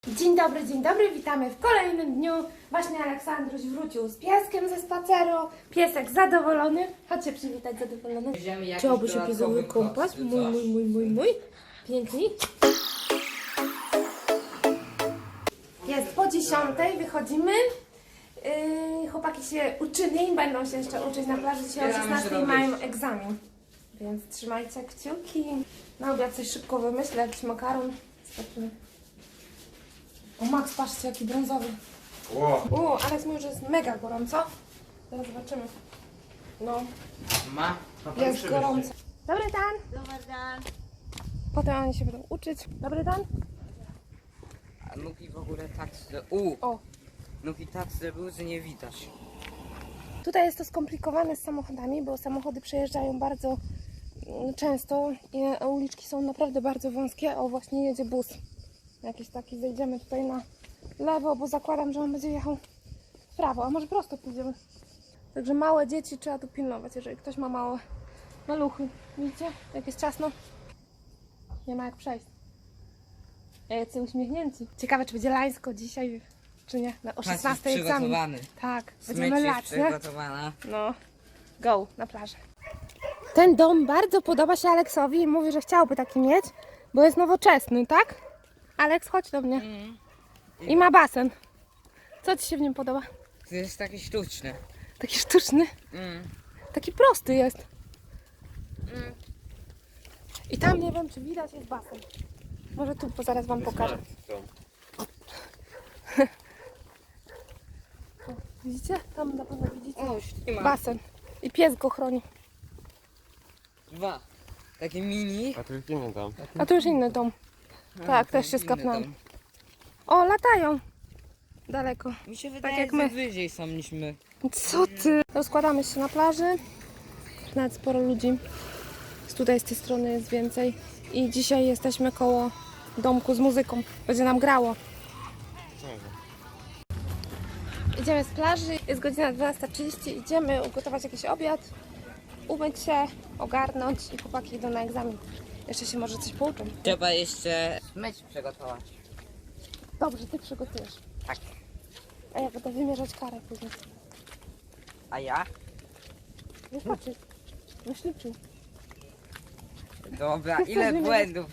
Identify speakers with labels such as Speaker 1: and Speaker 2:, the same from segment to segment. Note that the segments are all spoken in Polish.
Speaker 1: Dzień dobry, witamy w kolejnym dniu. Właśnie Aleksandruś wrócił z pieskiem ze spaceru. Piesek zadowolony. Chodźcie przywitać zadowolony. Chciałby się piesowy kompas. Mój. Pięknie. Jest po 10:00, wychodzimy. Chłopaki się uczyli, będą się jeszcze uczyć na plaży. Dzisiaj o 16:00 mają egzamin. Więc trzymajcie kciuki. Na obiad coś szybko wymyślę, jakiś makaron. Zobaczymy. O Max, patrzcie jaki brązowy. Wow. Alex mówi, że jest mega gorąco. Zaraz zobaczymy. No, jest gorąco. Dobry dan.
Speaker 2: Dobry dan.
Speaker 1: Potem oni się będą uczyć. Dobry dan.
Speaker 2: A Nuki w ogóle tak
Speaker 1: O.
Speaker 2: Nuki tak zrobił, że nie widać.
Speaker 1: Tutaj jest to skomplikowane z samochodami, bo samochody przejeżdżają bardzo często i uliczki są naprawdę bardzo wąskie. O, właśnie jedzie bus. Jakiś taki, zejdziemy tutaj na lewo, bo zakładam, że on będzie jechał w prawo, a może prosto pójdziemy. Także małe dzieci trzeba tu pilnować, jeżeli ktoś ma małe maluchy. Widzicie? Jak jest ciasno, nie ma jak przejść. Jacy uśmiechnięci. Ciekawe, czy będzie lańsko dzisiaj, czy nie. O 16 egzamin.
Speaker 2: Przygotowany.
Speaker 1: Tak, będziemy
Speaker 2: Smycz
Speaker 1: lać,
Speaker 2: jest
Speaker 1: nie?
Speaker 2: przygotowana.
Speaker 1: No, go na plażę. Ten dom bardzo podoba się Aleksowi i mówi, że chciałby taki mieć, bo jest nowoczesny, tak? Aleks, chodź do mnie. I ma basen. Co ci się w nim podoba?
Speaker 2: To jest taki sztuczny.
Speaker 1: Taki sztuczny, taki prosty jest. I tam nie wiem, czy widać, jest basen. Może tu, bo zaraz wam pokażę. O, widzicie? Tam na pewno widzicie.
Speaker 2: O, ślimak.
Speaker 1: Basen. I pies go chroni.
Speaker 2: Dwa. Takie mini.
Speaker 3: A to już inny dom.
Speaker 1: A tu już inny dom. Tak, też się
Speaker 2: inny
Speaker 1: skapnąłem.
Speaker 2: dom.
Speaker 1: O, latają. Daleko.
Speaker 2: Mi się wydaje,
Speaker 1: jak
Speaker 2: że
Speaker 1: my.
Speaker 2: wyżej są niż my.
Speaker 1: Co ty? Rozkładamy się na plaży. Nawet sporo ludzi. Tutaj z tej strony jest więcej. I dzisiaj jesteśmy koło domku z muzyką. Będzie nam grało. Idziemy z plaży. Jest godzina 12:30. Idziemy ugotować jakiś obiad. Umyć się, ogarnąć i chłopaki idą na egzamin. Jeszcze się może coś pouczą.
Speaker 2: Trzeba jeszcze smycz przygotować.
Speaker 1: Dobrze, ty przygotujesz.
Speaker 2: Tak.
Speaker 1: A ja będę wymierzać karę później.
Speaker 2: A ja?
Speaker 1: Wyskoczyć. Wyśliczył.
Speaker 2: Dobra, ile błędów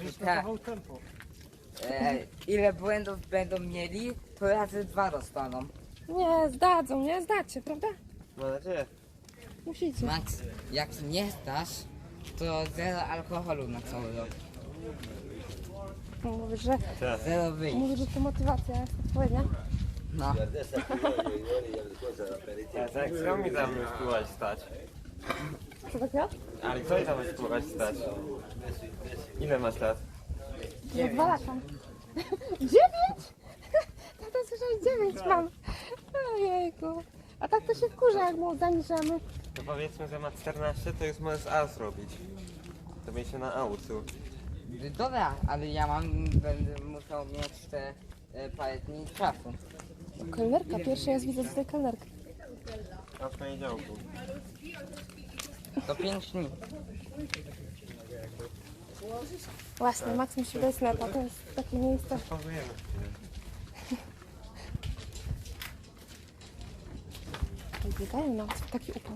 Speaker 2: ile błędów będą mieli, to razy 2 dostaną.
Speaker 1: Nie, zdadzą, nie? Zdacie, prawda?
Speaker 3: Mam nadzieję.
Speaker 1: Musicie.
Speaker 2: Max, jak nie zdasz, to 0 alkoholu na cały rok.
Speaker 1: Mówisz, że,
Speaker 2: 0 wyjść.
Speaker 1: mówisz, że to motywacja jest odpowiednia.
Speaker 2: No.
Speaker 3: Tak, co mi tam spróbować stać?
Speaker 1: Co takiego?
Speaker 3: Ale co mi tam spróbować stać? Ile masz lat?
Speaker 1: Za 2 lata. 9? Tata słyszałeś 9 mam. Ojejku. A tak to się wkurza, jak mu zaniżamy.
Speaker 3: To powiedzmy, że ma 14, to już możesz A zrobić. To będzie się na aucu.
Speaker 2: Dobra, ale ja będę musiał mieć te parę dni czasu.
Speaker 1: Kelnerka, pierwszy raz widzę tutaj kelnerkę.
Speaker 3: A w poniedziałku.
Speaker 2: To 5 dni.
Speaker 1: Właśnie, Max musi wejść na to jest takie miejsce.
Speaker 3: Pauzujemy.
Speaker 1: Biegają nawet w taki upał.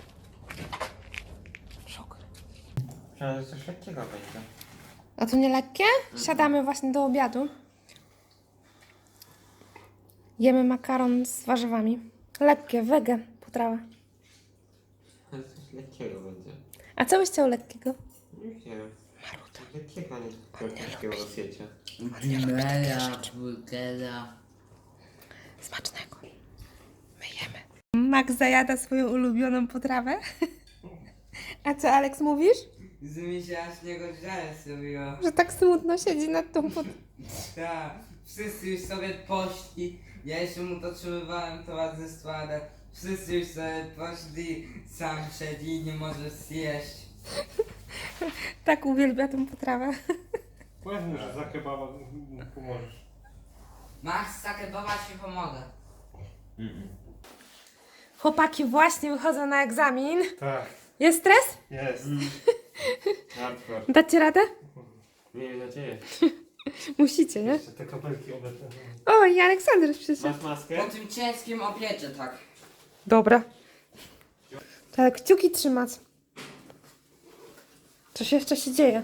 Speaker 1: Szok.
Speaker 3: Myślałem, że coś lekkiego będzie.
Speaker 1: A to nie lekkie? Siadamy właśnie do obiadu. Jemy makaron z warzywami. Lekkie, wege, potrawa.
Speaker 3: Ale coś lekkiego będzie.
Speaker 1: A co byś chciał lekkiego?
Speaker 3: Nie wiem. Lekkiego, nie lekkiego w świecie.
Speaker 2: Mera, burgera.
Speaker 1: Smacznego. My jemy. Max zajada swoją ulubioną potrawę. A co, Aleks, mówisz?
Speaker 2: Z mi się aż niego żal zrobiło.
Speaker 1: Że tak smutno siedzi nad tą
Speaker 2: Tak, wszyscy już sobie poszli. Ja jeszcze mu dotrzymywałem towarzystwo, ale wszyscy już sobie poszli. Sam siedzi i nie może zjeść.
Speaker 1: Tak uwielbia tą potrawę.
Speaker 3: Powiedz, że za kebaba pomożesz.
Speaker 2: Max, takie baba ci pomogę.
Speaker 1: Chłopaki właśnie wychodzą na egzamin.
Speaker 3: Tak,
Speaker 1: Jest stres?
Speaker 3: jest. Hardcore.
Speaker 1: Dacie radę?
Speaker 3: Miejmy nadzieję.
Speaker 1: Musicie, nie?
Speaker 4: Jeszcze te kapelki obecne.
Speaker 1: O, i Aleksander przyszedł.
Speaker 3: Masz maskę?
Speaker 2: Po tym ciężkim obiedzie, tak.
Speaker 1: Dobra. Tak, kciuki trzymać. Coś jeszcze się dzieje.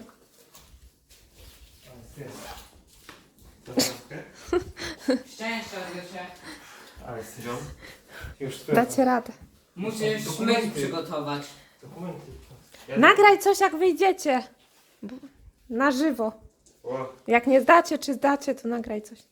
Speaker 3: Masz maskę?
Speaker 2: Szczęścia, Zosia.
Speaker 4: Ale
Speaker 3: No.
Speaker 4: już
Speaker 1: Dacie radę.
Speaker 2: Musisz
Speaker 4: Dokumenty.
Speaker 2: myć przygotować.
Speaker 4: Dokumenty.
Speaker 1: Nagraj coś jak wyjdziecie. Na żywo.
Speaker 3: O,
Speaker 1: Jak nie zdacie, czy zdacie, to nagraj coś.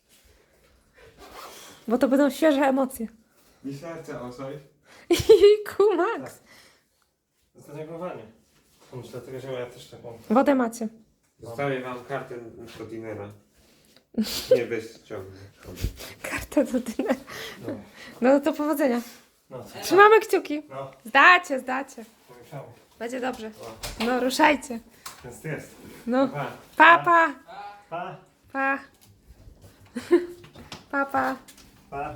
Speaker 1: Bo to będą świeże emocje.
Speaker 3: mi serce osoj.
Speaker 1: Jejku, Max.
Speaker 4: Zareagowanie. Myślę, dlatego, że ja też taką.
Speaker 1: Wodę macie.
Speaker 3: Zostawię wam kartę do dinera. Nie bez ciągu.
Speaker 1: Kartę do dynera.
Speaker 4: No.
Speaker 1: No to powodzenia.
Speaker 4: No, co?
Speaker 1: Trzymamy kciuki.
Speaker 4: No,
Speaker 1: Zdacie, zdacie.
Speaker 4: pomieszało.
Speaker 1: Będzie dobrze. No, ruszajcie.
Speaker 4: Ten stres.
Speaker 1: No,
Speaker 4: Pa.
Speaker 1: pa, pa.
Speaker 4: Pa.
Speaker 1: Pa. Pa, pa.
Speaker 4: Pa.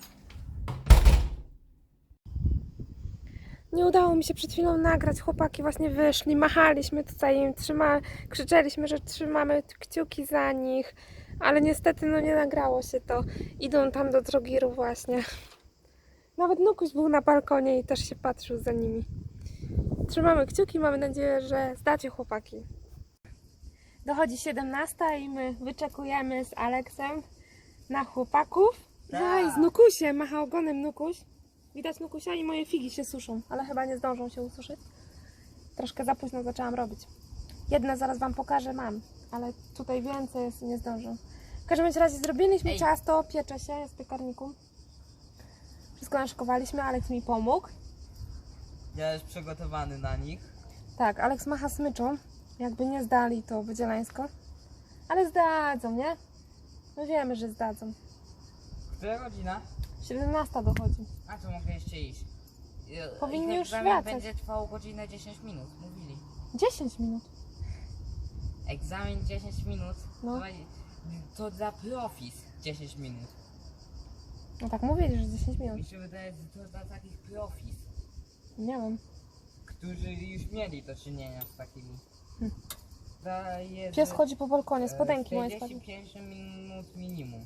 Speaker 1: Nie udało mi się przed chwilą nagrać. Chłopaki właśnie wyszli, machaliśmy tutaj im, krzyczeliśmy, że trzymamy kciuki za nich, ale niestety no nie nagrało się to. Idą tam do drogiru właśnie. Nawet Nukuś był na balkonie i też się patrzył za nimi. Trzymamy kciuki, mamy nadzieję, że zdacie chłopaki. Dochodzi 17 i my wyczekujemy z Aleksem na chłopaków. Zaj, z Nukusiem, macha ogonem Nukuś. Widać Nukusia i moje figi się suszą, ale chyba nie zdążą się ususzyć. Troszkę za późno zaczęłam robić. Jedne zaraz Wam pokażę, mam, ale tutaj więcej jest i nie zdążę. W każdym razie zrobiliśmy ciasto, piecze się, jest w piekarniku. Wszystko naszykowaliśmy, Aleks mi pomógł.
Speaker 2: Ja już przygotowany na nich.
Speaker 1: Tak, Aleks macha smyczą. Jakby nie zdali, to będzie lańsko. Ale zdadzą, nie? No wiemy, że zdadzą.
Speaker 2: Która godzina?
Speaker 1: 17 dochodzi.
Speaker 2: A to mogę jeszcze iść.
Speaker 1: Powinni
Speaker 2: Ich
Speaker 1: już
Speaker 2: egzamin
Speaker 1: wracać.
Speaker 2: będzie trwał godzinę 10 minut, mówili.
Speaker 1: 10 minut.
Speaker 2: Egzamin 10 minut.
Speaker 1: No.
Speaker 2: To dla profis 10 minut.
Speaker 1: No tak mówili, że 10 minut.
Speaker 2: Mi się wydaje, że to dla takich profis,
Speaker 1: Nie wiem.
Speaker 2: którzy już mieli do czynienia z takimi. Daje,
Speaker 1: Pies
Speaker 2: że,
Speaker 1: chodzi po balkonie, spodenki moje spadły.
Speaker 2: 45 minut minimum.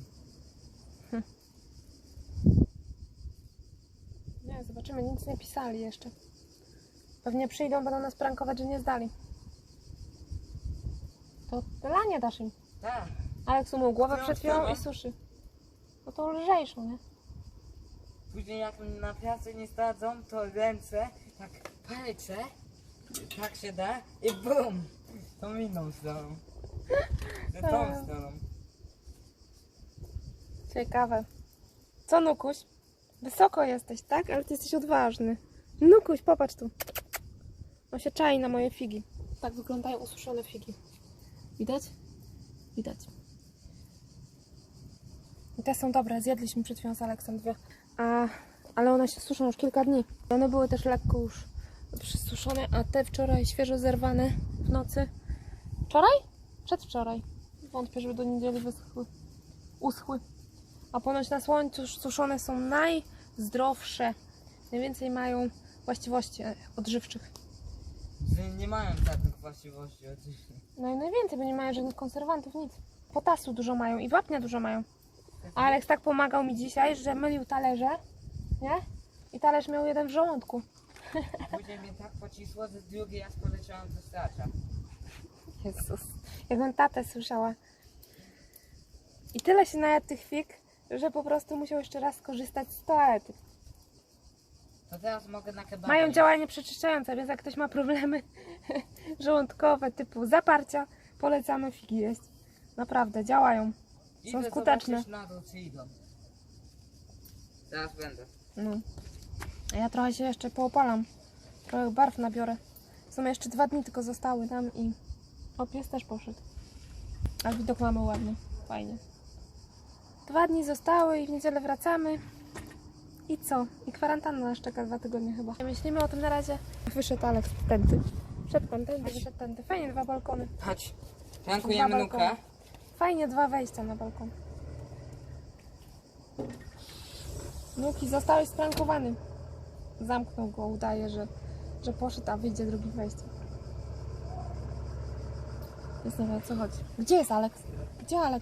Speaker 1: Nie, zobaczymy, nic nie pisali jeszcze. Pewnie przyjdą, będą nas prankować, że nie zdali. To lanie dasz im.
Speaker 2: Tak.
Speaker 1: Aleks umył głowę
Speaker 2: Którą
Speaker 1: przed chwilą
Speaker 2: stroną?
Speaker 1: i suszy. No to lżejszą, nie?
Speaker 2: Później jak naprawdę nie zdadzą, to ręce, tak palce, tak się da i bum! Tą inną stroną. Tą
Speaker 1: Tak.
Speaker 2: stroną.
Speaker 1: Ciekawe. Co, Nukuś? Wysoko jesteś, tak? Ale ty jesteś odważny. Nukuś, popatrz tu. On się czai na moje figi. Tak wyglądają ususzone figi. Widać? Widać. I te są dobre. Zjedliśmy przed chwilą z Aleksem dwie. Ale one się suszą już kilka dni. One były też lekko już przysuszone, a te wczoraj świeżo zerwane w nocy. Wczoraj? Przedwczoraj. Wątpię, żeby do niedzieli uschły. A ponoć na słońcu suszone są najzdrowsze. Najwięcej mają właściwości odżywczych.
Speaker 2: Że nie mają żadnych właściwości oczywiście.
Speaker 1: No i najwięcej, bo nie mają żadnych konserwantów, nic. Potasu dużo mają i wapnia dużo mają. A Aleks tak pomagał mi dzisiaj, że mylił talerze, nie? I talerz miał jeden w żołądku.
Speaker 2: Później mnie tak pocisło, że drugi raz poleciałam do stracza.
Speaker 1: Jezus, jakbym tatę słyszała. I tyle się najadł tych fig, że po prostu musiał jeszcze raz skorzystać z toalety.
Speaker 2: To teraz mogę na kebaba.
Speaker 1: Mają
Speaker 2: iść.
Speaker 1: działanie przeczyszczające, więc jak ktoś ma problemy żołądkowe typu zaparcia, polecamy figi jeść. Naprawdę, działają. Są
Speaker 2: Idę
Speaker 1: skuteczne.
Speaker 2: zobaczyć na dół, czy idą. Teraz będę.
Speaker 1: No. A ja trochę się jeszcze poopalam. Trochę barw nabiorę. Są jeszcze 2 dni tylko zostały tam i... O, pies też poszedł. A widok mamy ładny. Fajnie. 2 dni zostały i w niedzielę wracamy. I co? I kwarantanna nas czeka 2 tygodnie chyba. Myślimy o tym na razie. Wyszedł Aleks tędy. Wszedł pan tędy, wyszedł tędy. Fajnie, 2 balkony.
Speaker 2: Chodź. Prankujemy
Speaker 1: Dwa
Speaker 2: Nukę.
Speaker 1: balkony. Fajnie, 2 wejścia na balkon. Nuki, zostałeś sprankowany. Zamknął go, udaje, że poszedł, a wyjdzie drugim wejściem. Zastanawiam, o co chodzi. Gdzie jest Alex? Gdzie Alex?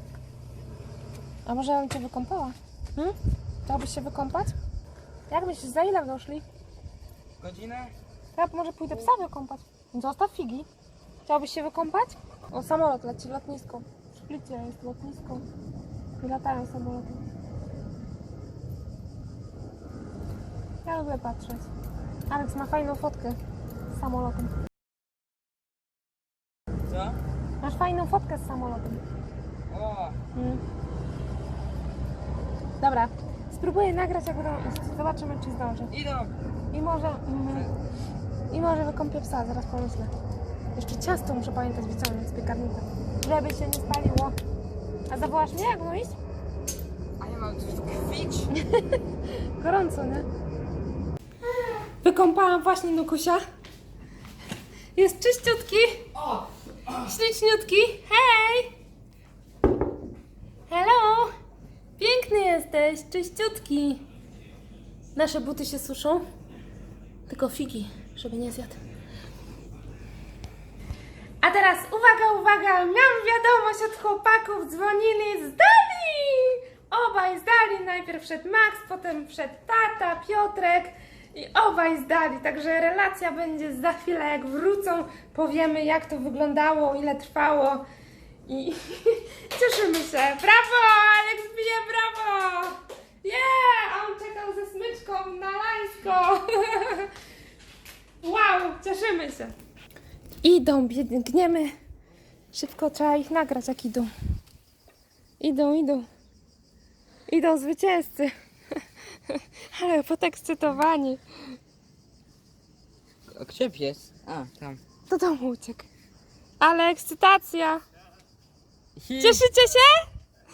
Speaker 1: A może ja bym cię wykąpała? Chciałbyś się wykąpać? Jak myślisz, za ile doszli?
Speaker 2: Godzinę?
Speaker 1: Ja może pójdę psa wykąpać. Zostaw figi. Chciałbyś się wykąpać? O, samolot leci, lotnisko. W Splicie jest lotnisko. I latają samoloty. Ja lubię patrzeć. Alex ma fajną fotkę z samolotem.
Speaker 2: Co?
Speaker 1: Masz fajną fotkę z samolotem.
Speaker 2: O!
Speaker 1: Dobra, spróbuję nagrać, jak będą iść. Zobaczymy, czy zdążę.
Speaker 2: Idą!
Speaker 1: I może wykąpię psa, zaraz pomyślę. Jeszcze ciasto muszę pamiętać wyciągnąć z piekarnika, żeby się nie spaliło. A zawołasz mnie, jak mam iść?
Speaker 2: A ja mam coś tkwić?
Speaker 1: Gorąco, nie? Wykąpałam właśnie Nukusia. Jest czyściutki. Śliczniutki. Hej! Hello! Piękny jesteś, czyściutki. Nasze buty się suszą. Tylko figi, żeby nie zjadł. A teraz uwaga, uwaga! Miałam wiadomość od chłopaków, dzwonili, zdali! Obaj zdali, najpierw wszedł Max, potem wszedł tata, Piotrek i obaj zdali, także relacja będzie za chwilę, jak wrócą, powiemy, jak to wyglądało, ile trwało i cieszymy się. Brawo! Alex bije brawo! Yeah! A on czekał ze smyczką na lańsko. Wow, cieszymy się. Idą, biegniemy. Szybko trzeba ich nagrać, jak idą. Idą. Idą zwycięzcy. Ale podekscytowani.
Speaker 2: A gdzie pies? A, tam.
Speaker 1: Do domu uciekł. Ale ekscytacja. Cieszycie się?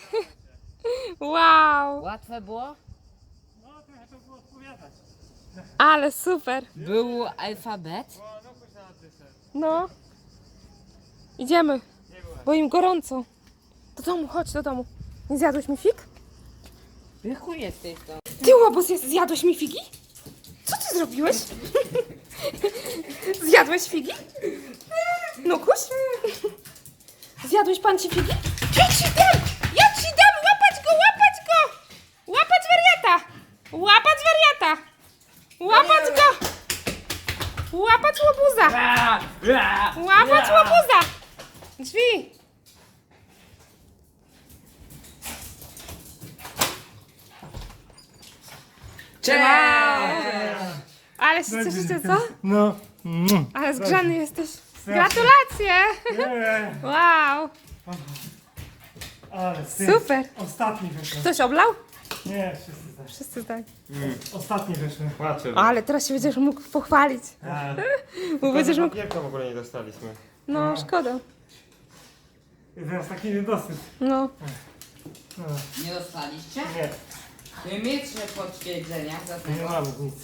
Speaker 1: Wow.
Speaker 2: Łatwe było?
Speaker 4: No, trochę to było odpowiadać.
Speaker 1: Ale super.
Speaker 2: Był alfabet?
Speaker 4: No pójdź na adresę.
Speaker 1: No. Idziemy. Bo im gorąco. Do domu, chodź do domu. Nie zjadłeś mi fig?
Speaker 2: Wychu jesteś to.
Speaker 1: Ty łobuz, zjadłeś mi figi? Co ty zrobiłeś? Zjadłeś figi? Nukuś? Zjadłeś pan ci figi? Ja ci dam! Ja ci dam! Łapać go! Łapać go! Łapać wariata! Łapać wariata! Łapać go! Łapać łobuza! Łapać łobuza! Drzwi!
Speaker 2: Cześć!
Speaker 1: Ale się cieszycie, co?
Speaker 4: No.
Speaker 1: Ale zgrzany jesteś. Gratulacje! Wow!
Speaker 4: Ale ty.
Speaker 1: Super!
Speaker 4: Ostatni wyszły.
Speaker 1: Ktoś oblał?
Speaker 4: Nie, wszyscy zdali.
Speaker 1: Wszyscy zdali.
Speaker 4: Ostatni wyszły.
Speaker 3: Płaczę.
Speaker 1: Ale teraz się będziesz mógł pochwalić. Bo będziesz mógł...
Speaker 3: Papierka w ogóle nie dostaliśmy.
Speaker 1: No, szkoda.
Speaker 4: I teraz taki niedosyt.
Speaker 1: No.
Speaker 4: No,
Speaker 2: Nie dostaliście?
Speaker 4: nie,
Speaker 2: Nie mieliście potwierdzenia za
Speaker 4: nie
Speaker 2: tego.
Speaker 4: mamy nic.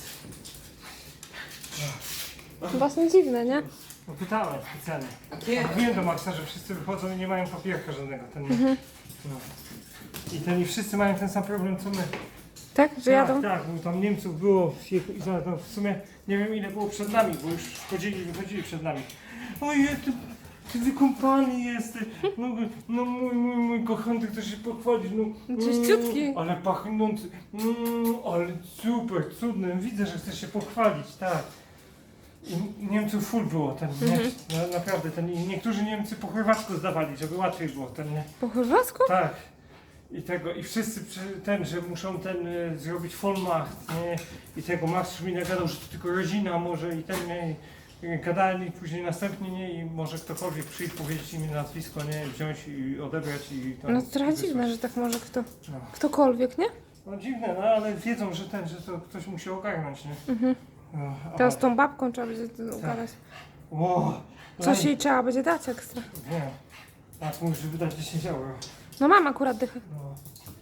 Speaker 1: Właśnie dziwne, nie?
Speaker 4: No, pytałem specjalnie.
Speaker 2: A kiedy?
Speaker 4: Wiem do Maxa, że wszyscy wychodzą i nie mają papierka żadnego. No. I wszyscy mają ten sam problem co my.
Speaker 1: Tak? Że jadą?
Speaker 4: Tak, bo tam Niemców było, no w sumie nie wiem ile było przed nami, bo już wychodzili przed nami. Ojej, ty wykąpany jesteś, no mój kochany, chcesz się pochwalić, no.
Speaker 1: Czyściutki.
Speaker 4: Ale pachnący, ale super, cudny, widzę, że chcesz się pochwalić, tak. I Niemców full było, naprawdę, i niektórzy Niemcy po chorwacku zdawali, żeby łatwiej było,
Speaker 1: Po chorwacku?
Speaker 4: tak. I wszyscy że muszą zrobić Vollmacht, nie? I tego Max mi nagadał, że to tylko rodzina może gadali później następnie, nie? I może ktokolwiek przyjść, powiedzieć im nazwisko, nie? Wziąć i odebrać i tam
Speaker 1: No to trochę
Speaker 4: wysłać.
Speaker 1: dziwne, że tak może
Speaker 4: No.
Speaker 1: ktokolwiek, nie?
Speaker 4: No dziwne, no ale wiedzą, że to ktoś musi ogarnąć, nie? No,
Speaker 1: Teraz tą babką trzeba będzie ugadać.
Speaker 4: Ło,
Speaker 1: Coś jej trzeba będzie dać ekstra.
Speaker 4: Nie. Tak, muszę wydać 10 euro.
Speaker 1: No mam akurat dychę.
Speaker 4: No.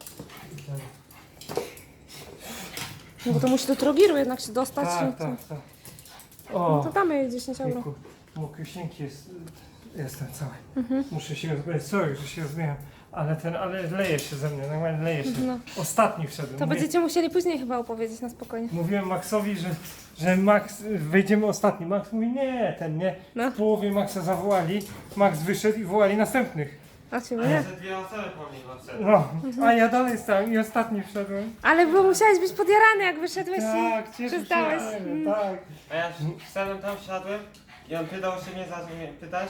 Speaker 1: No bo to musi do Trogiru jednak się dostać. no
Speaker 4: Tak,
Speaker 1: to-
Speaker 4: tak, tak.
Speaker 1: No
Speaker 4: O,
Speaker 1: to damy jej 10 euro.
Speaker 4: jejku, mokreśnięki jestem cały. Muszę się rozbierać, sorry, że się rozbieram, Ale leje się ze mnie, normalnie leje się.
Speaker 1: No.
Speaker 4: Ostatni wszedłem.
Speaker 1: To będziecie musieli później chyba opowiedzieć na spokojnie.
Speaker 4: Mówiłem Maxowi, że Max, wejdziemy ostatni. Max mówi nie, ten nie.
Speaker 1: No.
Speaker 4: W połowie Maxa zawołali, Max wyszedł i wołali następnych.
Speaker 1: A ciebie
Speaker 3: A
Speaker 1: nie.
Speaker 3: te dwie osoby pomimo wtedy.
Speaker 4: No, a ja dalej stałem i ostatni wszedłem.
Speaker 1: Ale bo musiałeś być podjarany, jak wyszedłeś
Speaker 4: Tak,
Speaker 1: i
Speaker 4: cieszę się,
Speaker 1: przestałeś.
Speaker 4: tak.
Speaker 3: A ja wszedłem tam, wsiadłem i on pytał się mnie, zaczął mnie pytać.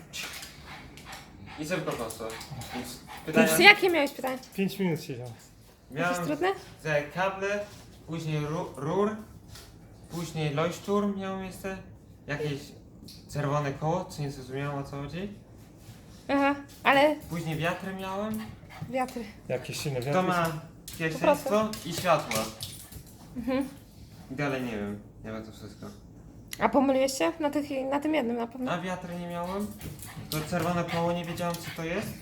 Speaker 3: I szybko poszło. Więc pytania...
Speaker 1: Jakie miałeś pytanie?
Speaker 4: 5 minut siedział.
Speaker 1: Jakieś
Speaker 3: Miałem
Speaker 1: trudne?
Speaker 3: te kable, później rur, później leuchtturm miałem jeszcze, jakieś czerwone koło, co nie zrozumiałem o co chodzi.
Speaker 1: Aha, ale
Speaker 3: Później wiatry miałem,
Speaker 1: wiatry.
Speaker 4: Jakieś silne
Speaker 3: to
Speaker 4: wiatry.
Speaker 3: ma pierwszeństwo i światło. I dalej nie wiem to wszystko.
Speaker 1: A pomyliłeś się? Na tym jednym na pewno.
Speaker 3: A wiatry nie miałem, to czerwone koło nie wiedziałem co to jest.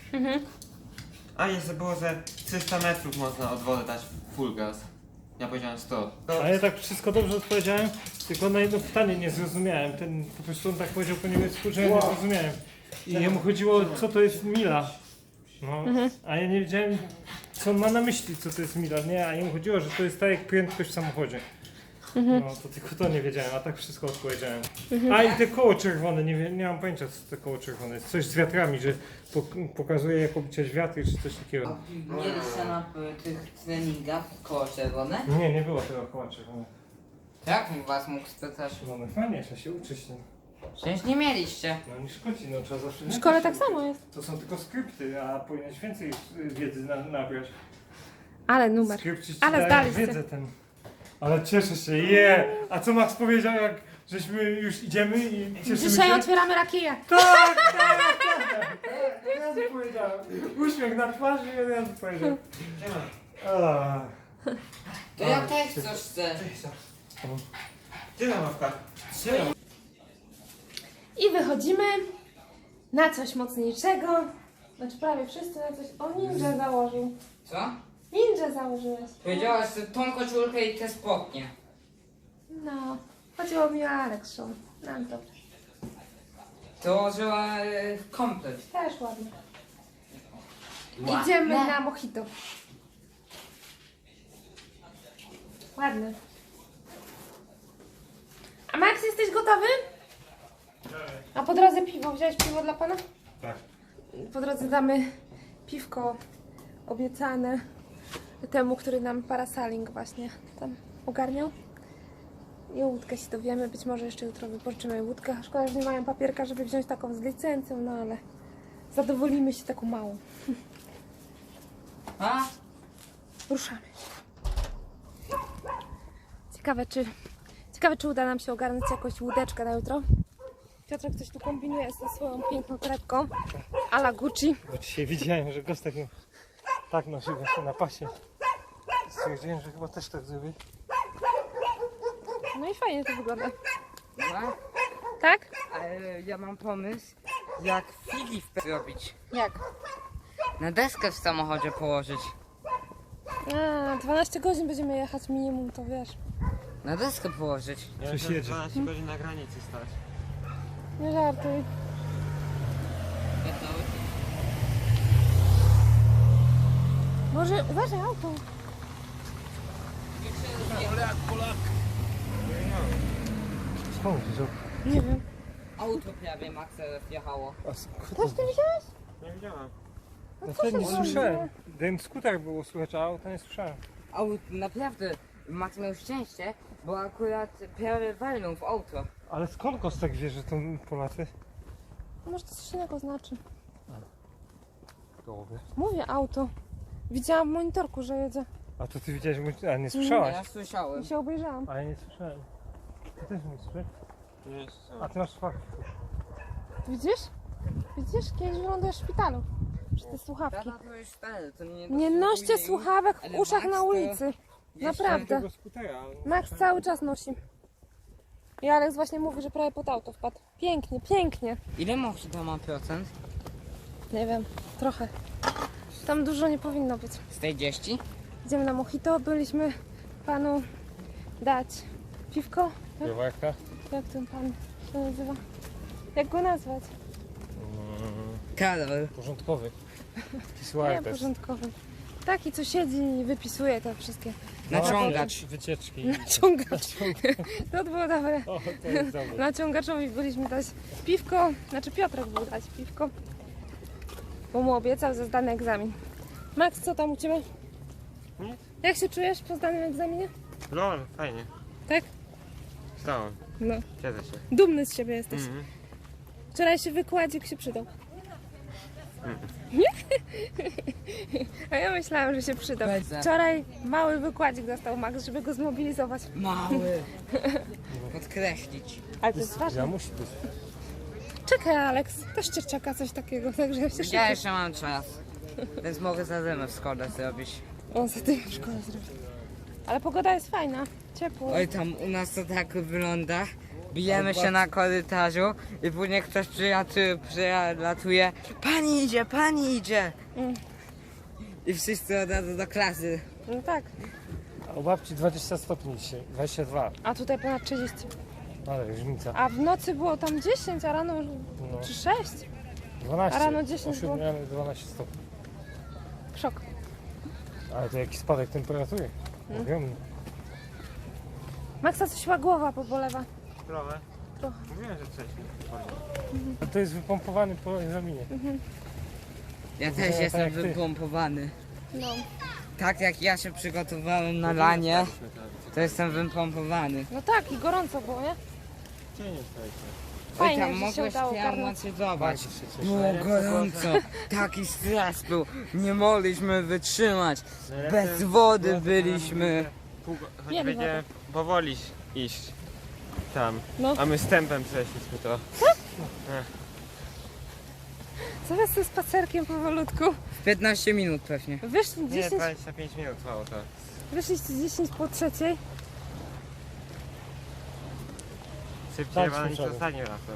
Speaker 3: A jeszcze było, że 300 metrów można od wody dać full gas. Ja powiedziałem 100.
Speaker 4: A ja tak wszystko dobrze odpowiedziałem, tylko na jedno pytanie nie zrozumiałem. Ten po prostu on tak powiedział po niemiecku, że ja nie zrozumiałem. I jemu chodziło, co to jest mila. No, a ja nie wiedziałem, co on ma na myśli, co to jest mila. Nie, a jemu chodziło, że to jest tak jak prędkość w samochodzie. No, to tylko to nie wiedziałem, a tak wszystko odpowiedziałem. A i te koło czerwone, nie mam pojęcia, co to koło czerwone jest. Coś z wiatrami, że pokazuje jak obliczać wiatry, czy coś takiego.
Speaker 2: Mieliście na tych treningach koło czerwone?
Speaker 4: Nie było tego koła czerwonego.
Speaker 2: Jak was mógł spytać?
Speaker 4: No, no fajnie, trzeba się uczyć. No,
Speaker 2: Przecież nie mieliście.
Speaker 4: no nie szkodzi, no trzeba zawsze...
Speaker 1: W szkole tak samo jest.
Speaker 4: To są tylko skrypty, a powinieneś więcej wiedzy nabrać.
Speaker 1: Ale numer.
Speaker 4: Skrypci ci
Speaker 1: Ale
Speaker 4: dają
Speaker 1: zdaliście.
Speaker 4: wiedzę ten. Ale cieszę się, A co Max powiedział, jak żeśmy już idziemy i cieszymy
Speaker 1: Dzisiaj
Speaker 4: się?
Speaker 1: otwieramy rakiję.
Speaker 4: Tak! Ja powiedziałem. Uśmiech na twarzy i ja powiedział. A,
Speaker 2: To ja też coś chcę.
Speaker 3: Gdzie ta mapka?
Speaker 1: I wychodzimy na coś mocniejszego. Znaczy prawie wszyscy na coś. O, ninja założył.
Speaker 2: Co?
Speaker 1: Ninja założyłeś.
Speaker 2: Powiedziałaś, że tą koszulkę i te spodnie.
Speaker 1: No, chodziło mi o Alex Nam to
Speaker 2: Dołożyła komplet.
Speaker 1: też ładnie. Idziemy na mojito. Ładny. A Max, jesteś gotowy? A po drodze piwo. Wziąłeś piwo dla pana?
Speaker 4: tak.
Speaker 1: Po drodze damy piwko obiecane temu, który nam parasaling właśnie tam ogarniał. I o łódkę się dowiemy. Być może jeszcze jutro wypożyczymy łódkę. Szkoda, że nie mają papierka, żeby wziąć taką z licencją, no ale zadowolimy się taką małą.
Speaker 2: A?
Speaker 1: Ruszamy. Ciekawe, czy uda nam się ogarnąć jakąś łódeczkę na jutro. Piotrek coś tu kombinuje ze swoją piękną torebką a la Gucci.
Speaker 4: Bo dzisiaj widziałem, że Gostek tak nosi właśnie na pasie. Stwierdziłem, że chyba też tak zrobię.
Speaker 1: No i fajnie to wygląda.
Speaker 2: Dobra.
Speaker 1: Tak?
Speaker 2: Ale ja mam pomysł, jak Filip zrobić.
Speaker 1: Jak?
Speaker 2: Na deskę w samochodzie położyć.
Speaker 1: A, 12 godzin będziemy jechać minimum, to wiesz.
Speaker 2: Na deskę położyć.
Speaker 3: Ja
Speaker 4: Coś
Speaker 3: muszę
Speaker 4: jedzie.
Speaker 3: 12 godzin na granicy stać.
Speaker 1: Nie żartuj. Może uważaj auto.
Speaker 4: Skąd?
Speaker 1: Nie wiem.
Speaker 2: Auto prawie Maxa wjechało.
Speaker 1: Też ty widziałeś?
Speaker 3: Nie widziałem.
Speaker 4: No wtedy nie
Speaker 1: się
Speaker 4: słyszałem. Ten skuter było słychać, a auta nie słyszałem.
Speaker 2: Naprawdę, Max miał szczęście, bo akurat prawie walnął w auto.
Speaker 4: Ale skąd Kostek wie, że to Polacy?
Speaker 1: Może to coś innego znaczy.
Speaker 4: Gołowie.
Speaker 1: Mówię auto. Widziałam w monitorku, że jedzie.
Speaker 4: A to ty widziałeś, a nie słyszałaś?
Speaker 2: Ja słyszałem.
Speaker 1: I się obejrzałam.
Speaker 4: A ja nie słyszałem. Ty też nie słyszałeś?
Speaker 3: Nie,
Speaker 4: A ty masz słuchawki.
Speaker 1: Widzisz? Widzisz? Kiedyś wylądujesz w szpitalu. Przez te słuchawki.
Speaker 2: Tata to już stary, to nie
Speaker 1: Nie noście
Speaker 2: dosługuje
Speaker 1: słuchawek w
Speaker 2: ale
Speaker 1: uszach
Speaker 2: Max
Speaker 1: na
Speaker 2: to
Speaker 1: ulicy.
Speaker 2: jeszcze-
Speaker 1: Naprawdę.
Speaker 4: Tego skutera.
Speaker 1: Max cały czas nosi. I Alex właśnie mówi, że prawie pod auto wpadł. Pięknie, pięknie.
Speaker 2: Ile Mojito ma procent?
Speaker 1: Nie wiem, trochę. Tam dużo nie powinno być.
Speaker 2: 40?
Speaker 1: Idziemy na mojito, byliśmy panu dać piwko.
Speaker 4: Browarka?
Speaker 1: Jak ten pan się nazywa? Jak go nazwać?
Speaker 2: Karol.
Speaker 4: Porządkowy. Taki
Speaker 1: Nie,
Speaker 4: sławek.
Speaker 1: porządkowy. Taki, co siedzi i wypisuje te wszystkie.
Speaker 2: Naciągacz.
Speaker 4: Wycieczki.
Speaker 1: Naciągacz. To było dobre.
Speaker 4: O, to jest dobre.
Speaker 1: Naciągaczowi byliśmy dać piwko, znaczy Piotrek był dać piwko, bo mu obiecał za zdany egzamin. Max, co tam u Ciebie?
Speaker 3: Nic.
Speaker 1: Jak się czujesz po zdanym egzaminie?
Speaker 3: No, fajnie.
Speaker 1: Tak?
Speaker 3: Stałem.
Speaker 1: No.
Speaker 3: Siedzę się.
Speaker 1: Dumny z siebie jesteś.
Speaker 3: Mhm.
Speaker 1: Wczorajszy wykładzik się przydał. Nie? A ja myślałam, że się przydał.
Speaker 2: Będzie.
Speaker 1: Wczoraj mały wykładzik dostał Max, żeby go zmobilizować.
Speaker 2: Mały. Podkreślić.
Speaker 1: Ale to jest
Speaker 4: Ja
Speaker 1: ważne.
Speaker 4: musi być.
Speaker 1: Czekaj, Alex, też Cię czeka coś takiego, także się
Speaker 2: Ja
Speaker 1: szykuj.
Speaker 2: jeszcze mam czas. Więc mogę za zimę w szkole zrobić.
Speaker 1: O, za tym w szkole zrobię. Ale pogoda jest fajna, ciepło.
Speaker 2: Oj, tam u nas to tak wygląda. Bijemy się na korytarzu i później ktoś przylatuje. Pani idzie, pani idzie!
Speaker 1: Mm.
Speaker 2: I wszyscy od razu do klasy.
Speaker 1: No tak,
Speaker 4: A u babci 20 stopni dzisiaj, 22.
Speaker 1: a tutaj ponad 30.
Speaker 4: Ale różnica.
Speaker 1: A w nocy było tam 10, a rano
Speaker 4: No,
Speaker 1: czy 6?
Speaker 4: 12.
Speaker 1: A rano 10
Speaker 4: o 7
Speaker 1: było.
Speaker 4: rano 12 stopni.
Speaker 1: Szok.
Speaker 4: Ale to jaki spadek temperatury. Ogromny.
Speaker 1: Maxa coś chyba głowa pobolewa.
Speaker 3: Trochę.
Speaker 1: Trochę.
Speaker 3: Mówiłem, że coś mi chodzi.
Speaker 4: A to jest wypompowany po egzaminie.
Speaker 2: Ja
Speaker 4: To
Speaker 2: też
Speaker 4: tak
Speaker 2: jestem
Speaker 4: jak ty.
Speaker 2: wypompowany.
Speaker 1: No.
Speaker 2: Tak jak ja się przygotowałem na lanie, to jestem wypompowany.
Speaker 1: No tak, i gorąco było, nie?
Speaker 3: Gdzie nie staliśmy?
Speaker 1: Fajnie,
Speaker 2: Oj, tam
Speaker 1: że się
Speaker 2: mogłeś
Speaker 1: udało
Speaker 2: tam
Speaker 1: ogarnąć.
Speaker 2: zobacz.
Speaker 3: Ale
Speaker 2: Było
Speaker 3: jak to
Speaker 2: gorąco, taki stres był, nie mogliśmy wytrzymać.
Speaker 3: Najlepsze
Speaker 2: Bez wody
Speaker 3: było, że
Speaker 2: byliśmy.
Speaker 3: Choć
Speaker 1: Mieli
Speaker 3: będzie powoli iść tam.
Speaker 1: No.
Speaker 3: A my z tempem przeszliśmy to.
Speaker 1: Zaraz ze spacerkiem powolutku.
Speaker 2: W 15 minut pewnie.
Speaker 1: Wyszli
Speaker 3: Nie,
Speaker 1: 10,
Speaker 3: 25 minut trwało to.
Speaker 1: wyszliście 10 po trzeciej.
Speaker 3: Szybciej
Speaker 4: Tak,
Speaker 3: chyba niż
Speaker 4: słyszałem.
Speaker 3: ostatnim razem.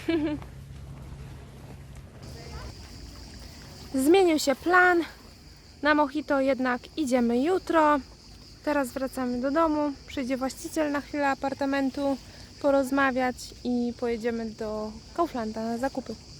Speaker 1: Zmienił się plan. Na Mojito jednak idziemy jutro. Teraz wracamy do domu. Przyjdzie właściciel na chwilę apartamentu porozmawiać i pojedziemy do Kauflanda na zakupy.